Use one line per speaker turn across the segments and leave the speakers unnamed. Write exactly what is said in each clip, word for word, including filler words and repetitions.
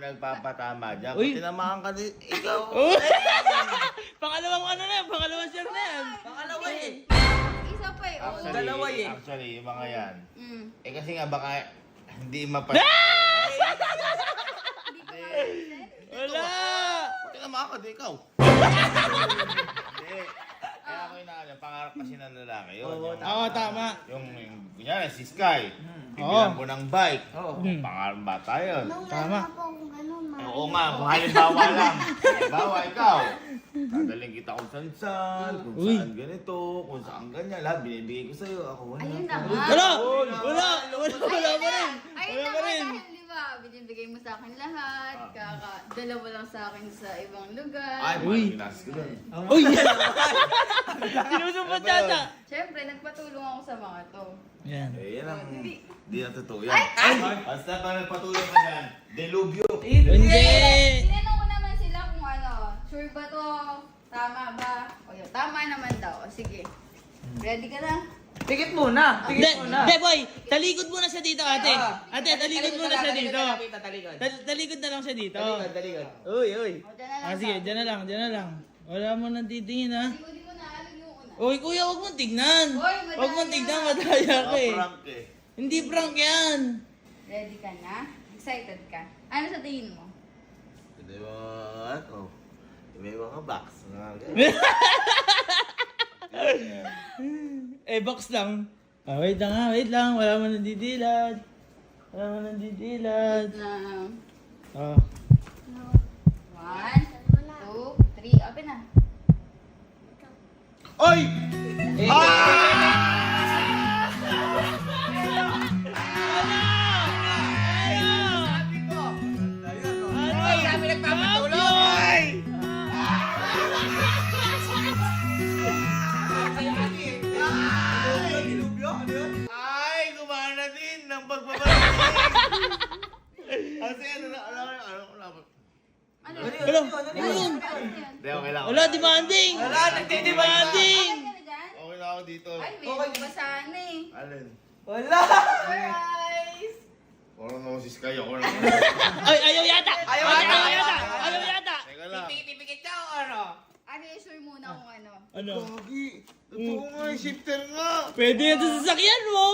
nagpapatama dyan.
Uy.
Kung tinamaan ka din, ikaw.
Pangalawang ano na yan, pangalawang share na yan.
Pangalawa eh.
Isa pa eh. Oo.
Actually,
Dalawa eh.
Actually, yung mga yan.
Mm.
Eh kasi nga baka hindi mapa...
Hindi ko ma-present.
Wala!
Kung tinamaan ka din, ikaw. Hindi. Kaya ako inaano, pangarap kasi ng lalaki yun.
Oo,
Yung-
Oo, tama.
Yung, yung kunyari, si Sky.
Oo.
Bibilang ko ng bike.
Oo.
Hmm.
Pangarap bata yun.
Tama.
Oo nga, kung halimbawa lang. Halimbawa, ikaw. Dadaling kita kung saan saan, kung
Uy.
saan ganito, kung saan ganyan. Lahat binibigay ko sa'yo. Ako wala.
Ayun na
pa.
nga.
Wala! Wala! Wala! Wala pa rin!
Ayun
Wala
na
pa
nga
rin!
dahil di ba, binibigay mo sa akin lahat.
Ah.
Kaka, dalawa lang sa akin sa ibang lugar.
Ay,
Uy.
malinas ko dun.
Uy! Sinusumpat yata!
Siyempre, nagpatulong ako sa mga to.
Yan.
Eh, yan ang...
Hindi.
Di na totoo yan. Ay! Basta pa nagpatuloy ka dyan, delubyo.
Hindi!
Tinanong ko naman sila kung ano, sure ba to? Tama ba? O yun, tama naman daw. O sige. Ready ka na?
Tikit muna.
Hindi,
Tikit muna.
hindi boy! Talikod muna siya dito, ate!
Ah.
Ate, talikod muna siya dito!
Talikod, talikod.
Tal- Talikod na lang siya dito.
Talikod, talikod. Uy, uy.
O, dyan na lang.
Ah, sige, dyan na lang, dyan na lang. Wala mo nang titingin, ha?
Hindi ko na alam yung una.
Uy, kuya, huwag mong tignan!
Hoy, madaya.
Huwag mong tignan, madaya ka eh.
Mga prank eh.
Hindi prank yan!
Ready ka na? Excited ka? Ano sa tingin mo?
Hindi mo, ano, may mga box. Mga ganyan.
Eh, box lang. Ah, wait lang ha, wait lang. Wala mo nandidilad. Wala mo nandidilad.
Na,
Oh.
one, two, three, open na.
Oy!
Eh,
Ay,
sabi nagpapatulong.
Ay, gumana din ng pagbabalik. Kasi ano na, ano, ano, ano, ano,
Ano?
Wala, ano yun?
Hindi, okay lang.
Wala, demanding!
Wala, nagdi-demanding.
Okay ka na dyan?
Okay lang ako dito.
Ay, may okay. pa sana eh.
Alin?
Wala.
Surprise!
Parang naman si Sky, ako lang.
Ay, ayaw yata!
Ayaw
Ate,
yata,
Ayaw
ayaw
yata!
yata.
Ayaw yata!
Teka lang.
Tipikit siya o ano?
Ano yung sure muna kung ano?
Ano?
Gagi, totoo nga yung shifter nga.
Pwede yan sa sasakyan mo!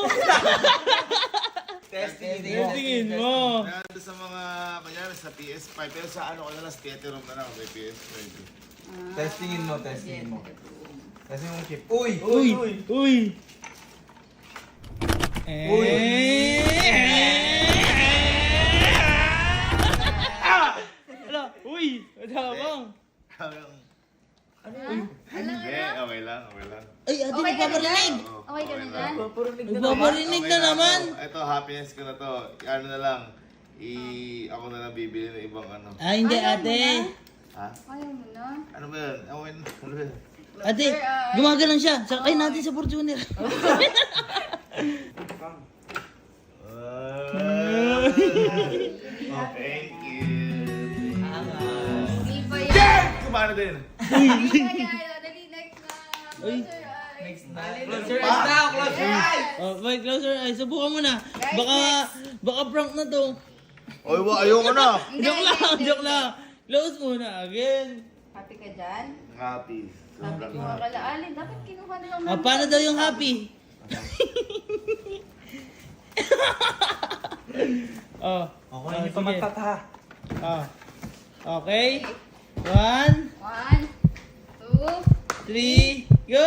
Testing.
Tingin mo!
Nandito sa mga, kanyari sa P S five, pero sa ano ko na lang, sa theater room na lang, may P S five.
Ah,
Testingin mo, testingin mo. Kasi yung chip. Uy!
Uy! Uy! Eh! Ah! Ala! Uy! Madamang!
Ano
Ano? Ano?
Hindi, okay lang, okay lang.
Ay, ate,
Okay ka na dyan?
nagpaparinig!
Oo,
Okay ka na dyan?
Nagpaparinig na
lang
naman!
ako. Ito, happiness ko na to. Ano na lang, i ako na lang bibili ng ibang ano.
Ah, hindi
Ayaw mo
ate!
na?
Ha?
Ayaw mo na?
Ano ba yun? Ano ba yun? Ano ba yun?
Ate, gumagalan siya. Sakay natin sa Fortuner.
Oh, thank you.
Hindi pa yan.
Kumano din?
Hindi pa yan. Dali, next na.
Uy.
Close your eyes.
Next na. Close your eyes now, close your eyes.
Oh, boy, closer. Ay, subukan mo na. Baka, baka prank na to.
Oy, wa, ayoko na.
Hindi,
Joke lang,
hindi,
joke
hindi.
lang. Close muna, again.
Happy ka dyan?
Happy.
Happy
Sobrang
ka
happy.
kala. Alin, dapat kinuha na lang
Ah, paano daw yung happy? oh,
Okay,
oh,
hindi pa
sige.
magtata.
Oh. Okay. One,
One, two,
three, go!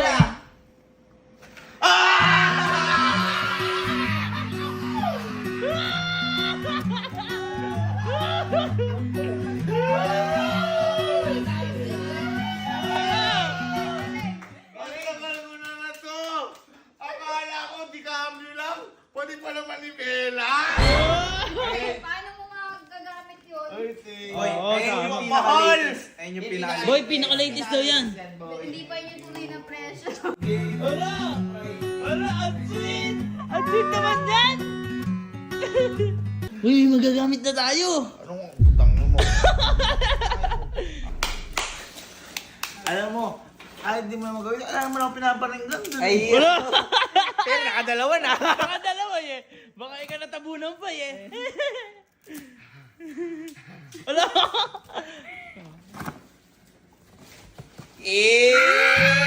Ang tagal mo na na to. Akala ko di cambio lang. Pwede pala manibela.
Okay, paano mo magagamit yun?
Ay, thank
Oy,
Oo,
ayun
tama.
yung pinaka-latest. Ayun yung pinaka-latest.
Boy, pinaka-latest daw yan.
Hindi pa yun yung tunay na presyo.
Wala! Wala! Ang sweet! Ang sweet naman yan! Uy, magagamit na tayo!
Anong putang mo? Alam mo, kahit di mo na magawin, alam mo na ako pinaparinggan dun.
Ay,
Wala!
pero nakadalawa na.
Nakadalawa eh! Baka ikaw natabunan pa eh! Wala!
Eh!